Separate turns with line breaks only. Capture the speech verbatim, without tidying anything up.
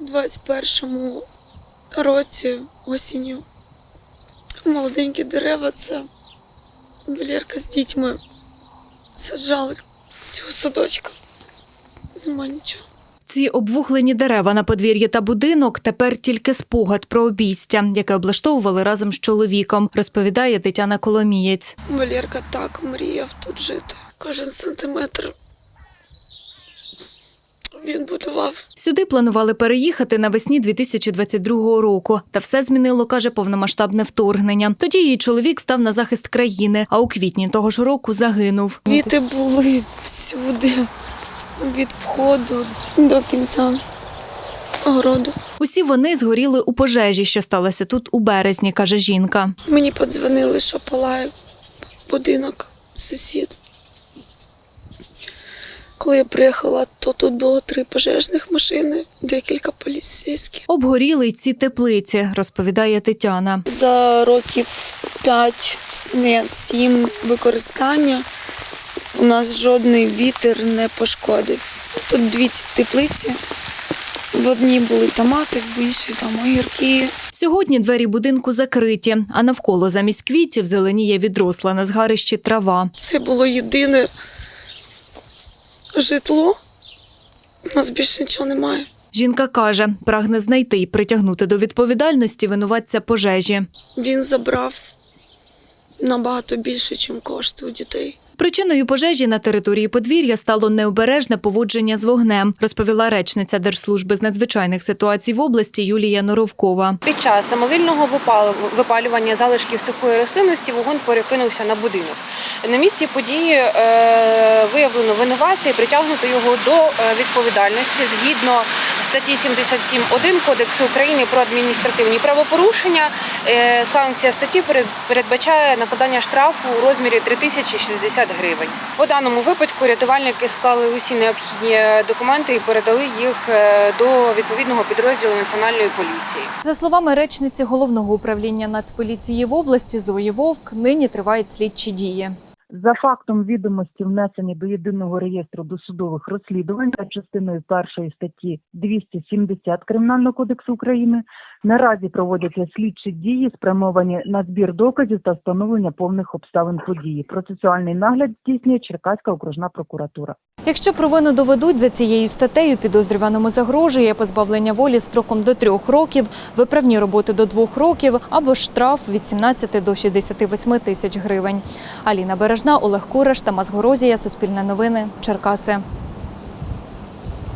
двадцять першому році осінню молоденькі дерева, це Валерка з дітьми саджали цього садочка. Нема нічого.
Ці обвухлені дерева на подвір'ї та будинок – тепер тільки спогад про обійстя, яке облаштовували разом з чоловіком, розповідає Тетяна Коломієць.
Валерка так мріяв тут жити. Кожен сантиметр він будував.
Сюди планували переїхати навесні дві тисячі двадцять другого року. Та все змінило, каже, повномасштабне вторгнення. Тоді її чоловік став на захист країни, а у квітні того ж року загинув.
Квіти були всюди, від входу до кінця огороду.
Усі вони згоріли у пожежі, що сталося тут у березні, каже жінка.
Мені подзвонили, що палає будинок, сусід. Коли я приїхала, то тут було три пожежних машини, декілька поліцейських.
Обгоріли й ці теплиці, розповідає Тетяна.
За років п'ять, не сім використання у нас жодний вітер не пошкодив. Тут дві теплиці, в одній були томати, в іншій там огірки.
Сьогодні двері будинку закриті, а навколо замість квітів зеленіє відросла на згарищі трава.
Це було єдине житло, у нас більше нічого немає.
Жінка каже, прагне знайти і притягнути до відповідальності винуватця пожежі.
Він забрав набагато більше, ніж коштує у дітей.
Причиною пожежі на території подвір'я стало необережне поводження з вогнем, розповіла речниця Держслужби з надзвичайних ситуацій в області Юлія Норовкова.
Під час самовільного випалювання залишків сухої рослинності вогонь перекинувся на будинок. На місці події виявлено винуватця і притягнуто його до відповідальності згідно статті сімдесят сім один Кодексу України про адміністративні правопорушення. Санкція статті передбачає накладання штрафу у розмірі три тисячі шістдесят гривень. По даному випадку рятувальники склали усі необхідні документи і передали їх до відповідного підрозділу Національної поліції.
За словами речниці Головного управління Нацполіції в області Зої Вовк, нині тривають слідчі дії.
За фактом відомості внесені до єдиного реєстру досудових розслідувань за частиною першої статті двісті сімдесят Кримінального кодексу України наразі проводяться слідчі дії, спрямовані на збір доказів та встановлення повних обставин події. Процесуальний нагляд здійснює Черкаська окружна прокуратура.
Якщо провину доведуть, за цією статтею підозрюваному загрожує позбавлення волі строком до трьох років, виправні роботи до двох років або штраф від сімнадцяти до шістдесяти восьми тисяч гривень. Аліна Бережна, Олег Кураш, Тамас Горозія, Суспільне новини, Черкаси.